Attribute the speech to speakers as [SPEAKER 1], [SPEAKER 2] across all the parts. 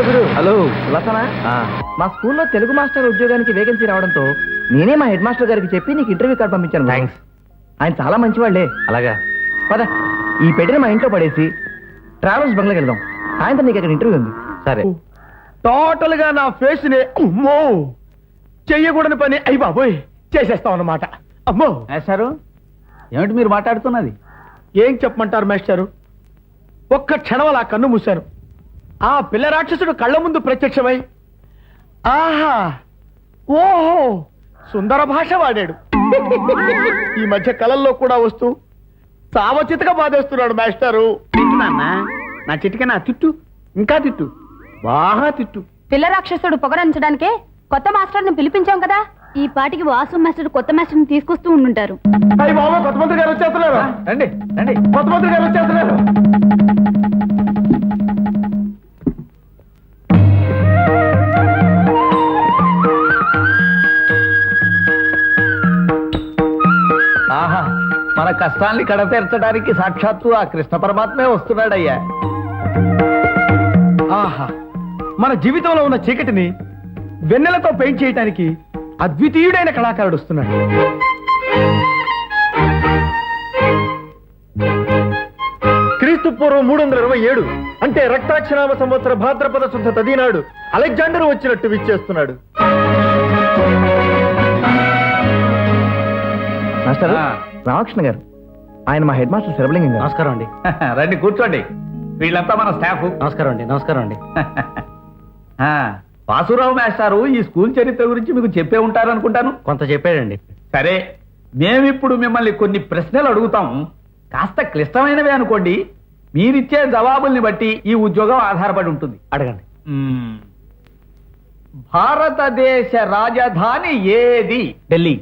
[SPEAKER 1] గురు.
[SPEAKER 2] Hello
[SPEAKER 1] లతనా, మా స్కూల్లో Telugu master ఉద్యోగానికి వేకెన్సీ రావడంతో నేనే మా హెడ్ మాస్టర్ గారికి చెప్పి నీకు ఇంటర్వ్యూ కార్డు పంపించాను.
[SPEAKER 2] థ్యాంక్స్.
[SPEAKER 1] ఆయన చాలా మంచివాళ్లే.
[SPEAKER 2] అలాగా?
[SPEAKER 1] పద, ఈ పెట్టిన మా ఇంట్లో పడేసి ట్రావెల్స్ బంగ్లాకి వెళ్దాం. సాయంత్రం నీకు అక్కడ ఇంటర్వ్యూ ఉంది.
[SPEAKER 2] సరే.
[SPEAKER 3] టోటల్ గా నా ఫేస్ ని అమ్మో చెయ్యకూడని పని అయ్యి బాబోయ్ చేసేస్తాం అన్నమాట. అమ్మో
[SPEAKER 2] మేస్టారు, ఏమిటి మీరు మాట్లాడుతున్నది?
[SPEAKER 3] ఏం చెప్పమంటారు మేస్టారు, ఒక్క క్షణం అలా కన్ను మూశాను. ఆ పిల్ల రాక్షసుడు కళ్ళ ముందు ప్రత్యక్షమై ఆహా ఓహో సుందర భాష వాడాడు. ఈ మధ్య కళల్లో కూడా వస్తూ సావచితగా బాధేస్తున్నాడు మేస్టారు. తిట్టు నాన్న, నా చిటిక నా తిట్టు, ఇంకా తిట్టు, బాగా తిట్టు.
[SPEAKER 4] పిల్ల రాక్షసుడు పొగరంచడానికే కొత్త మాస్టర్ ని పిలిపించాం కదా. ఈ పాటికి వాసు మాస్టర్ కొత్త మాస్టర్ ని తీసుకొస్తూ ఉండుంటారు.
[SPEAKER 3] అయ్యి బాబా, కొత్త మంత్రి గారు వచ్చేస్తున్నారు.
[SPEAKER 2] రండి రండి.
[SPEAKER 3] కొత్త మంత్రి గారు వచ్చేస్తున్నారు.
[SPEAKER 2] ఆహా, మన కష్టాల్ని కడతీర్చడానికి సాక్షాత్తు ఆ కృష్ణ పరమాత్మే వస్తున్నాడయ్యా.
[SPEAKER 3] ఆహా, మన జీవితంలో ఉన్న చీకటిని వెన్నెలతో పెయింట్ చేయడానికి అద్వితీయుడైన కళాకారుడు వస్తున్నాడు. క్రీస్తు పూర్వం 327 అంటే రక్తాక్షరామ సంవత్సర భాద్రపద శుద్ధ తదినాడు అలెగ్జాండర్ వచ్చినట్టు విచ్చేస్తున్నాడు.
[SPEAKER 1] మాస్టర్ రామకృష్ణ గారు, ఆయన మా హెడ్ మాస్టర్ శరభలింగం గారు.
[SPEAKER 2] నమస్కారం అండి. రండి కూర్చోండి. వీళ్ళంతా మన స్టాఫ్.
[SPEAKER 1] నమస్కారం అండి. నమస్కారం అండి.
[SPEAKER 2] వాసురావు మేస్టారు ఈ స్కూల్ చరిత్ర గురించి మీకు చెప్పే ఉంటారు అనుకుంటాను.
[SPEAKER 1] కొంత చెప్పాడండి.
[SPEAKER 2] సరే, మేమిప్పుడు మిమ్మల్ని కొన్ని ప్రశ్నలు అడుగుతాం. కాస్త క్లిష్టమైనవే అనుకోండి. మీరిచ్చే జవాబుల్ని బట్టి ఈ ఉద్యోగం ఆధారపడి ఉంటుంది.
[SPEAKER 1] అడగండి.
[SPEAKER 2] భారతదేశ రాజధాని ఏది?
[SPEAKER 1] ఢిల్లీ.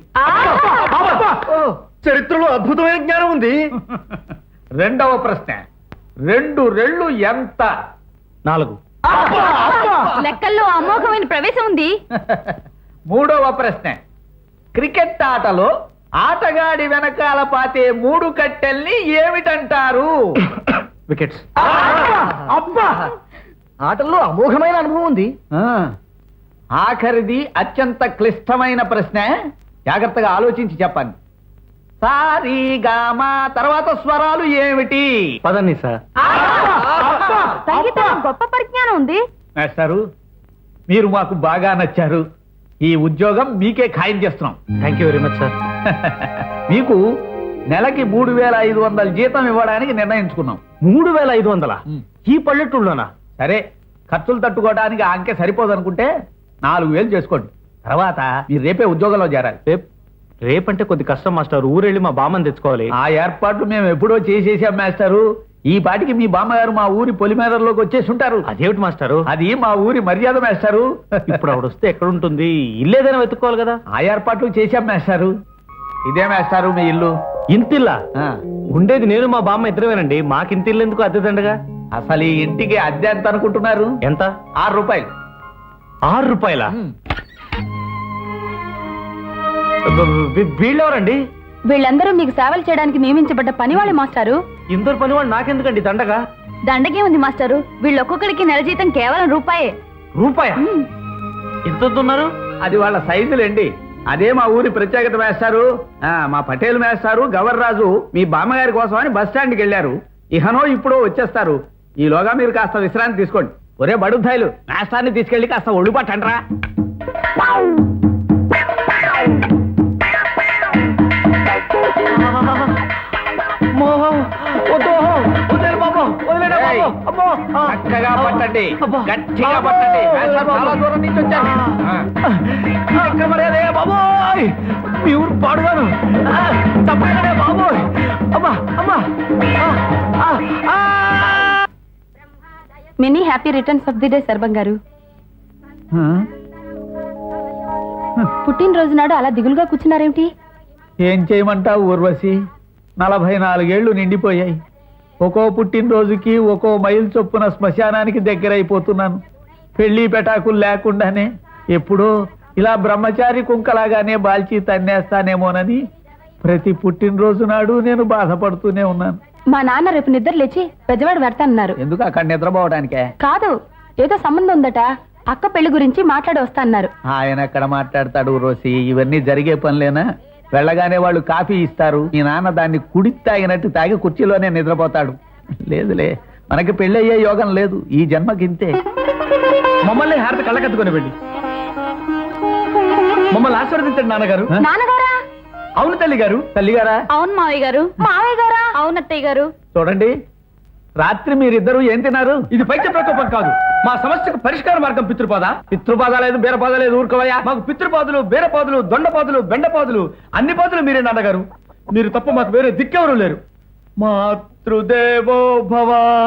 [SPEAKER 3] చరిత్రలో అద్భుతమైన జ్ఞానం ఉంది.
[SPEAKER 2] రెండవ ప్రశ్న, 2 రెళ్ళు ఎంత?
[SPEAKER 1] 4.
[SPEAKER 4] లెక్కల్లో అమోఘమైన ప్రవేశం ఉంది.
[SPEAKER 2] మూడవ ప్రశ్న, క్రికెట్ ఆటలో ఆటగాడి వెనకాల పాతే 3 కట్టెల్ని ఏమిటంటారు?
[SPEAKER 1] వికెట్స్.
[SPEAKER 3] అబ్బా,
[SPEAKER 1] ఆటల్లో అమోఘమైన అనుభవం ఉంది.
[SPEAKER 2] ఆఖరిది అత్యంత క్లిష్టమైన ప్రశ్న. జాగ్రత్తగా ఆలోచించి చెప్పండి. సారీ గామా తర్వాత స్వరాలు ఏమిటి?
[SPEAKER 1] పదండి సార్.
[SPEAKER 4] సంగీతం గొప్ప పరిజ్ఞానం ఉంది.
[SPEAKER 2] మేస్టారు, మీరు మాకు బాగా నచ్చారు. ఈ ఉద్యోగం మీకే ఖాయం చేస్తున్నాం.
[SPEAKER 1] Thank you very much sir.
[SPEAKER 2] మీకు నెలకి 3500 జీతం ఇవ్వడానికి నిర్ణయించుకున్నాం.
[SPEAKER 1] 3500? ఈ పల్లెటూళ్ళలోనా?
[SPEAKER 2] సరే, ఖర్చులు తట్టుకోవడానికి ఆ అంకె సరిపోదనుకుంటే 4000 చేసుకోండి. తర్వాత మీరు రేపే ఉద్యోగంలో చేరాలి.
[SPEAKER 1] రేపంటే కొద్ది కష్టం మాస్టర్. ఊరెళ్ళి మా బామ్మని తెచ్చుకోవాలి.
[SPEAKER 2] ఆ ఏర్పాట్లు మేము ఎప్పుడో చేసేసాం మాస్టారు. ఈ పాటికి మీ బామ్మగారు మా ఊరి పొలిమేరలోకి వచ్చేసి ఉంటారు.
[SPEAKER 1] అదేమిటి మాస్టారు?
[SPEAKER 2] అది మా ఊరి మర్యాద మాస్టారు.
[SPEAKER 1] ఇప్పుడు ఆవిడ వస్తే ఎక్కడుంటుంది? ఇల్లేదైనా వెతుక్కోవాలి కదా.
[SPEAKER 2] ఆ ఏర్పాట్లు చేశాం మాస్టారు. ఇదే మాస్టారు మీ ఇల్లు.
[SPEAKER 1] ఇంతిల్లా? ఉండేది నేను మా బామ్మ ఇద్దరమేనండి. మాకింతిల్లు ఎందుకు అద్దె దండగా?
[SPEAKER 2] అసలు ఈ ఇంటికి అద్దె ఎంత అనుకుంటున్నారు?
[SPEAKER 1] ఎంత?
[SPEAKER 2] 6 రూపాయలు.
[SPEAKER 1] 6 రూపాయలా? వీళ్ళెవరండి?
[SPEAKER 4] వీళ్ళందరూ మీకు సేవలు చేయడానికి నియమించబడ్డ పనివాళ్ళే మాస్టారు.
[SPEAKER 1] ఇందరు పనివాళ్ళు నాకెందుకండి దండగా?
[SPEAKER 4] దండగే ఉంది మాస్టారు. వీళ్ళొక్కొక్కడికి నెల జీతం కేవలం రూపాయే.
[SPEAKER 1] రూపాయా? ఎంత ఉన్నారు?
[SPEAKER 2] అది వాళ్ళ సైజులేండి. అదే మా ఊరి ప్రత్యేకత మేస్తారు. మా పటేల్ మేస్తారు గవర్రాజు మీ బామ్మగారి కోసం అని బస్ స్టాండ్కి వెళ్ళారు. ఇహనో ఇప్పుడో వచ్చేస్తారు. ఈలోగా మీరు కాస్త విశ్రాంతి తీసుకోండి. ఒరే బడుద్దాయిలు, మేస్తాన్ని తీసుకెళ్లి కాస్త ఒళ్ళు పట్టండ్రా. చక్కగా పట్టండి, గట్టిగా పట్టండి. చాలా దూరం నుంచి వచ్చారు.
[SPEAKER 1] బాబోయ్, మీ ఊరు పాడుగాను. తప్పైనా బాబోయ్. అమ్మా అమ్మా.
[SPEAKER 4] Many happy returns of the day Sarvam garu. పుట్టినరోజు నాడు అలా దిగులుగా కూర్చున్నారేమిటి?
[SPEAKER 2] ఏం చేయమంటావు ఊర్వశి, 44 ఏళ్లు నిండిపోయాయి. ఒక్కో పుట్టినరోజుకి ఒక్కో మైలు చొప్పున శ్మశానానికి దగ్గరైపోతున్నాను. పెళ్లి పెటాకులు లేకుండానే ఎప్పుడో ఇలా బ్రహ్మచారి కుంకలాగానే బాల్చి తన్నేస్తానేమోనని ప్రతి పుట్టినరోజు నాడు నేను బాధపడుతూనే ఉన్నాను.
[SPEAKER 4] మా నాన్న రేపు నిద్ర లేచి పెద్దవాడు పెడతానన్నారు.
[SPEAKER 2] ఎందుకు? అక్కడ నిద్రపోవడానికే?
[SPEAKER 4] కాదు, ఏదో సంబంధం ఉందట, అక్క పెళ్లి గురించి మాట్లాడి వస్తా అన్నారు.
[SPEAKER 2] ఆయన ఎక్కడ మాట్లాడతాడు రోసి, ఇవన్నీ జరిగే పనులేనా? వెళ్ళగానే వాళ్ళు కాఫీ ఇస్తారు, మీ నాన్న దాన్ని కుడి తాగినట్టు తాగి కుర్చీలోనే నిద్రపోతాడు. లేదులే, మనకి పెళ్ళయ్యే యోగం లేదు ఈ జన్మకింతే.
[SPEAKER 3] మమ్మల్ని హారతి కళ్ళకత్తుకొని వెళ్ళి మమ్మల్ని ఆశీర్వదించండి నాన్నగారు.
[SPEAKER 4] నాన్నగారా?
[SPEAKER 3] అవును తల్లి గారు.
[SPEAKER 2] తల్లిగారా?
[SPEAKER 4] అవును మావయ్య గారు. మావయ్య గారా? అవును అత్తయ్య గారు.
[SPEAKER 2] చూడండి, రాత్రి మీరిద్దరూ ఏం తిన్నారు?
[SPEAKER 3] ఇది పైత్య ప్రకోపం కాదు, మా సమస్యకు పరిష్కార మార్గం పితృపాద.
[SPEAKER 2] పితృపాద లేదు, బీరపాద లేదు, ఊరుకోవయ్యా.
[SPEAKER 3] మాకు పితృపాదులు, బీరపాదులు, దొండపాదులు, బెండపాదులు, అన్ని పాదులు మీరే నాన్నగారు. మీరు తప్ప మాకు వేరే దిక్కెవరూ లేరు. మాతృదేవో భవ,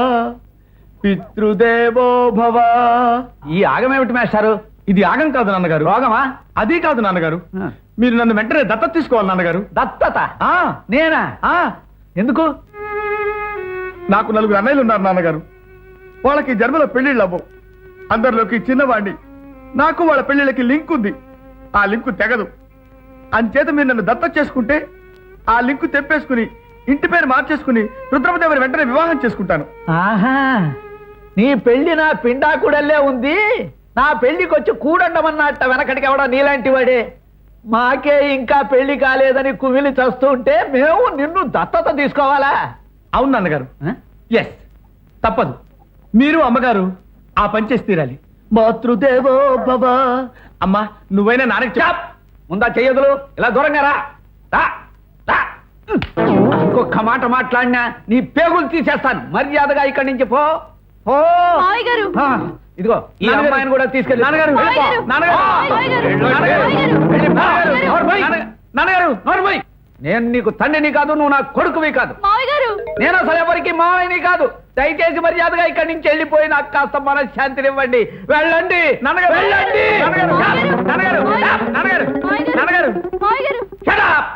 [SPEAKER 3] పితృదేవో భవ.
[SPEAKER 2] ఈ ఆగమేమిటి మేస్టారు?
[SPEAKER 3] ఇది ఆగం కాదు నాన్నగారు.
[SPEAKER 2] రోగమా?
[SPEAKER 3] అది కాదు నాన్నగారు.
[SPEAKER 2] ఆ.
[SPEAKER 3] మీరు నన్ను వెంటనే దత్తత తీసుకోవాలి నాన్నగారు.
[SPEAKER 2] దత్తత?
[SPEAKER 3] ఆ,
[SPEAKER 2] నేనా?
[SPEAKER 3] ఆ,
[SPEAKER 2] ఎందుకు?
[SPEAKER 3] నాకు 4 అన్నయ్యలు ఉన్నారు నాన్నగారు. వాళ్ళకి జన్మలో పెళ్లిళ్ళు అవ్వవు. అందరిలోకి చిన్నవాణ్ణి. నాకు వాళ్ళ పెళ్లిళ్ళకి లింక్ ఉంది. ఆ లింకు తెగదు. అంచేత మీరు నన్ను దత్తత చేసుకుంటే ఆ లింకు తెప్పేసుకుని ఇంటి పేరు మార్చేసుకుని రుద్రమదేవిని వెంటనే వివాహం చేసుకుంటాను.
[SPEAKER 2] ఆహా, నీ పెళ్లి నా పిండాకుడల్లే ఉంది. నా పెళ్లికి వచ్చి కూడండమన్నట్ట వెనకటికి ఎవడో నీలాంటి వాడే. మాకే ఇంకా పెళ్లి కాలేదని కుమిలి చస్తూ ఉంటే మేము నిన్ను దత్తత తీసుకోవాలా?
[SPEAKER 3] అవును నాన్నగారు. ఎస్, తప్పదు. మీరు అమ్మగారు ఆ పని చేసి తీరాలి. మాతృదేవో భవ. అమ్మా, నువ్వైనా నాన్నకి
[SPEAKER 2] చాప్! ముందా చెయ్యదులు, ఇలా దూరంగా రా. రా, రా. ఇంకొక మాట మాట్లాడినా నీ పేగులు తీసేస్తాను. మర్యాదగా ఇక్కడి నుంచి పో. పో.
[SPEAKER 4] మావయ్య గారు.
[SPEAKER 2] ఆ, ఇదిగో ఈ
[SPEAKER 3] నాన్నగారు.
[SPEAKER 2] అమ్మాయిని కూడా తీసుకెళ్ళి.
[SPEAKER 3] నాన్నగారు,
[SPEAKER 2] వెళ్ళిపో.
[SPEAKER 4] మావయ్య గారు.
[SPEAKER 2] నాన్నగారు.
[SPEAKER 4] మావయ్య గారు.
[SPEAKER 2] నాన్నగారు.
[SPEAKER 4] మావయ్య గారు.
[SPEAKER 2] వెళ్ళిపో.
[SPEAKER 4] మావయ్య గారు.
[SPEAKER 2] నోరు మూయ్.
[SPEAKER 3] నాన్నగారు,
[SPEAKER 2] నోరు మూయ్. నేను నీకు తండ్రిని కాదు, నువ్వు నా కొడుకువి కాదు.
[SPEAKER 4] మావయ్య గారు.
[SPEAKER 2] నేను అసలు ఎవరికి మావయ్యని కాదు. దయచేసి మర్యాదగా ఇక్కడి నుంచి వెళ్ళిపోయి నాకు కాస్త మనశ్శాంతినివ్వండి. వెళ్ళండి.
[SPEAKER 3] నాన్నగారు.
[SPEAKER 2] వెళ్ళండి.
[SPEAKER 3] నాన్నగారు.
[SPEAKER 2] నాన్నగారు. నాన్నగారు. నాన్నగారు.
[SPEAKER 4] మావయ్య గారు.
[SPEAKER 2] Shut up!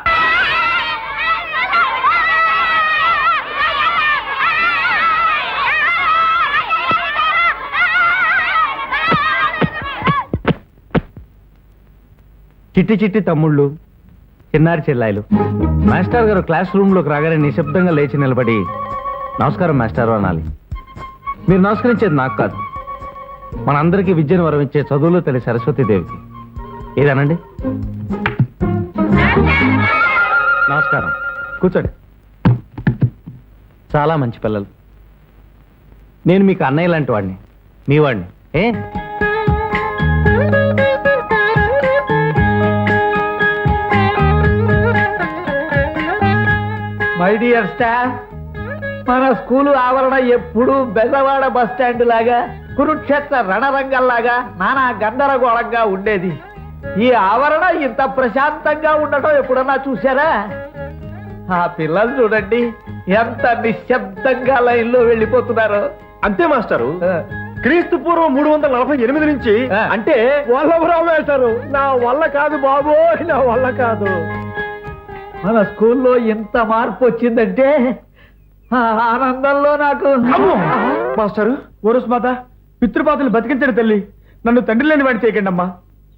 [SPEAKER 3] చిట్టి చిట్టి తమ్ముళ్ళు, చిన్నారి చెల్లాయిలు. మాస్టర్ గారు క్లాస్ రూమ్ లోకి రాగానే నిశ్శబ్దంగా లేచి నిలబడి నమస్కారం మాస్టారు అనాలి. మీరు నమస్కరించేది నాకు కాదు, మనందరికీ విద్యను వరమించే చదువులో తల్లి సరస్వతీదేవికి. ఏదనండి? నమస్కారం, కూర్చోండి. చాలా మంచి పిల్లలు. నేను మీకు అన్నయ్య లాంటి వాడిని, మీ వాడిని.
[SPEAKER 2] మై డియర్ స్టాఫ్, మన స్కూలు ఆవరణ ఎప్పుడు బెజవాడ బస్ స్టాండ్ లాగా, కురుక్షేత్ర రణరంగంలాగా నానా గందరగోళంగా ఉండేది. ఈ ఆవరణ ఇంత ప్రశాంతంగా ఉండటం ఎప్పుడన్నా చూసారా? ఆ పిల్లలు చూడండి ఎంత నిశ్శబ్దంగా లైన్లో వెళ్ళిపోతున్నారు.
[SPEAKER 3] అంతే మాస్టారు. క్రీస్తు పూర్వం 348 నుంచి అంటే వల్లభరావు వేశారు. నా వల్ల కాదు బాబు, నా వల్ల కాదు.
[SPEAKER 2] మన స్కూల్లో ఎంత మార్పు వచ్చిందంటే ఆ ఆనందంలో నాకు.
[SPEAKER 3] మాస్టారు, ఓరస్ మాత, పితృపాతలు బతికించండి తల్లి. నన్ను తండ్రి లేని వాడి చేయకండి అమ్మా.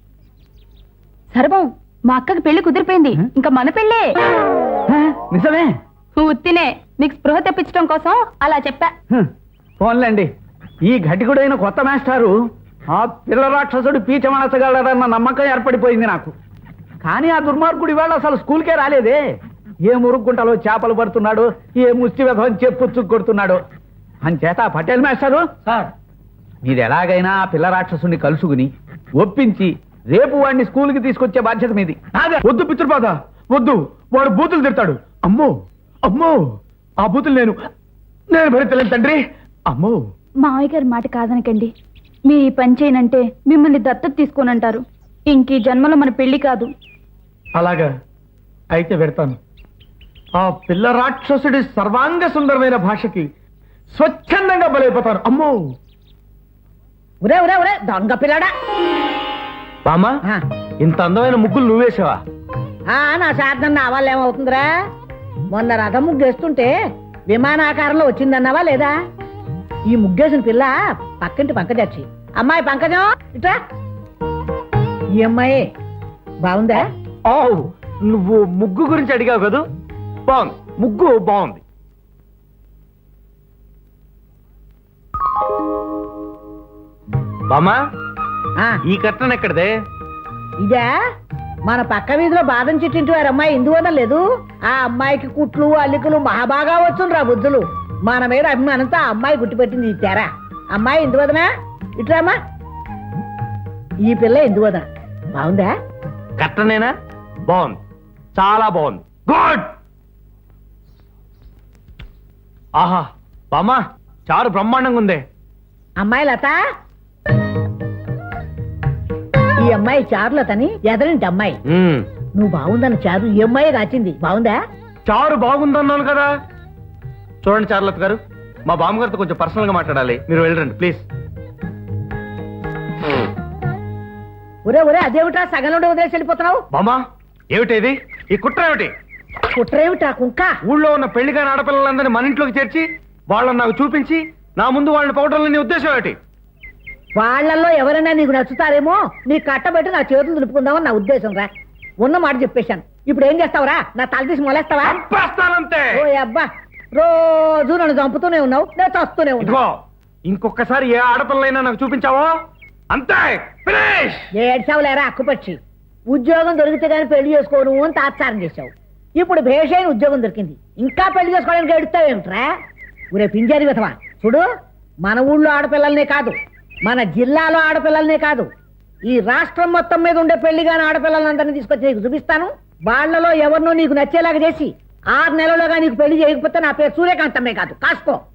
[SPEAKER 4] సర్వం, మా అక్కకి పెళ్లి కుదిరిపోయింది. ఇంకా మన పెళ్ళే.
[SPEAKER 2] నిజమే?
[SPEAKER 4] ఉత్తినే మీకు స్పృహ తెప్పించడం కోసం అలా చెప్పా.
[SPEAKER 2] ఫోన్లేండి, ఈ ఘటికుడైన కొత్త మాస్టారు ఆ పిల్ల రాక్షసుడు పీచమనసగలడన్న నమ్మకం ఏర్పడిపోయింది నాకు. కానీ ఆ దుర్మార్గుడు ఇవాళ అసలు స్కూల్కే రాలేదే. ఏ మురుగుంటలో చేపలు పడుతున్నాడు, ఏ ముష్టి విధం చెప్పుచ్చు కొడుతున్నాడు. అంచేత పటేల్ మాస్టారు
[SPEAKER 3] సార్,
[SPEAKER 2] మీరు ఎలాగైనా ఆ పిల్ల రాక్షసుని కలుసుకుని ఒప్పించి రేపు వాడిని స్కూల్కి తీసుకొచ్చే బాధ్యత మీది.
[SPEAKER 3] వద్దు పితృపాద, వద్దు. వాడు బూతులు తిడతాడు. అమ్మో అమ్మో, ఆ బూతులు నేను భరించలేను తండ్రి. అమ్మో.
[SPEAKER 4] మావయ్య గారి మాట కాదనకండి. మీరు ఈ పని చేయనంటే మిమ్మల్ని దత్తత తీసుకోనంటారు. ఇంక ఈ జన్మలో మన పెళ్లి కాదు.
[SPEAKER 3] అలాగా అయితే పెడతాను. ఆ పిల్ల రాక్షసుడి సర్వాంగ సుందరమైన భాషకి స్వచ్ఛందంగా బలైపోతాను. అమ్మో.
[SPEAKER 5] ఒరే ఒరే ఒరే దొంగ పిల్లడా!
[SPEAKER 3] బామ్మా, ఇంత అందమైన ముగ్గులు నువ్వేసావా?
[SPEAKER 5] నా శార్థం నా వల్ల ఏమవుతుందిరా? మొన్న రథం ముగ్గేస్తుంటే విమానాకారంలో వచ్చిందన్నావా లేదా? ఈ ముగ్గేసిన పిల్ల పక్కింటి పంకజచ్చి. అమ్మాయి పంకజం ఇట్రా. ఈ అమ్మాయి బాగుందా?
[SPEAKER 3] ఓ, నువ్వు ముగ్గు గురించి అడిగావు కదూ? బాగుంది, ముగ్గు బాగుంది. బామా
[SPEAKER 5] ఆ,
[SPEAKER 3] ఈ కట్టన్ ఎక్కడదే?
[SPEAKER 5] ఇదే మన పక్క వీధిలో బాదం చెట్టింటి వారి అమ్మాయి ఇందువదం లేదు. ఆ అమ్మాయికి కుట్లు అల్లికలు మహాబాగా వచ్చును రా బుద్ధులు. మన మీద అభిమానంతో ఆ అమ్మాయి గుర్తుపెట్టింది ఈ తెర. అమ్మాయి ఇందువదనా ఇట్రామా. ఈ పిల్ల ఇందువదన బాగుందా?
[SPEAKER 3] కట్టనేనా? బాగుంది, చాలా బాగుంది. గుడ్. ఆహా బామా, చారు బ్రహ్మాండంగా ఉందే.
[SPEAKER 5] అమ్మాయి లత, ఈ అమ్మాయి చారులతని ఎదరింటి అమ్మాయి. నువ్వు బాగుందన్న చారు ఈ అమ్మాయి కాచింది. బాగుందా?
[SPEAKER 3] చారు బాగుందన్నాను కదా. చూడండి చారులత గారు, మా బామ్మగారితో కొంచెం పర్సనల్ గా మాట్లాడాలి, మీరు వెళ్ళండి ప్లీజ్.
[SPEAKER 5] ఒరే ఒరే, అదేమిటా సగంలో వదిలేసి వెళ్ళిపోతున్నావు?
[SPEAKER 3] బామా ఏమిటేది? ఈ కుట్ర ఏమిటి?
[SPEAKER 5] కుట్రేమిటా కుంక?
[SPEAKER 3] ఊళ్ళో ఉన్న పెళ్లిగాని ఆడపిల్లలందరినీ మన ఇంట్లోకి చేర్చి వాళ్ళని నాకు చూపించి నా ముందు వాళ్ళని పొగడాలని నీ ఉద్దేశం ఏమిటి?
[SPEAKER 5] వాళ్ళల్లో ఎవరైనా నీకు నచ్చుతారేమో నీ కట్టబెట్టి నా చేతులు దులుపుకుందామని నా ఉద్దేశం రా. ఉన్న మాట చెప్పేశాను. ఇప్పుడు ఏం చేస్తావురా? నా తల తీసి మొలేస్తావా?
[SPEAKER 3] చంపేస్తానంతే.
[SPEAKER 5] ఓ అబ్బా, రోజు నన్ను చంపుతూనే ఉన్నావు, నేను చస్తూనే ఉన్నావు.
[SPEAKER 3] ఇదిగో ఇంకొకసారి ఏ ఆడపిల్లైనా నాకు చూపించావో అంతే, ఫినిష్.
[SPEAKER 5] ఏడ్చావులేరా అక్కుపక్షి. ఉద్యోగం దొరికితే గానీ పెళ్లి చేసుకోను అని తాత్సారం చేశావు. ఇప్పుడు భేషైన ఉద్యోగం దొరికింది, ఇంకా పెళ్లి చేసుకోవడానికి ఎడుతావేమిట్రా? ఊరే పింజారి విధవా, చూడు, మన ఊళ్ళో ఆడపిల్లలనే కాదు, మన జిల్లాలో ఆడపిల్లలనే కాదు, ఈ రాష్ట్రం మొత్తం మీద ఉండే పెళ్లిగాని ఆడపిల్లలందరినీ తీసుకొచ్చి నీకు చూపిస్తాను. వాళ్లలో ఎవరినో నీకు నచ్చేలాగా చేసి 6 నెలలుగా నీకు పెళ్లి చేయకపోతే నా పేరు సూర్యకాంతమే కాదు, కాసుకో.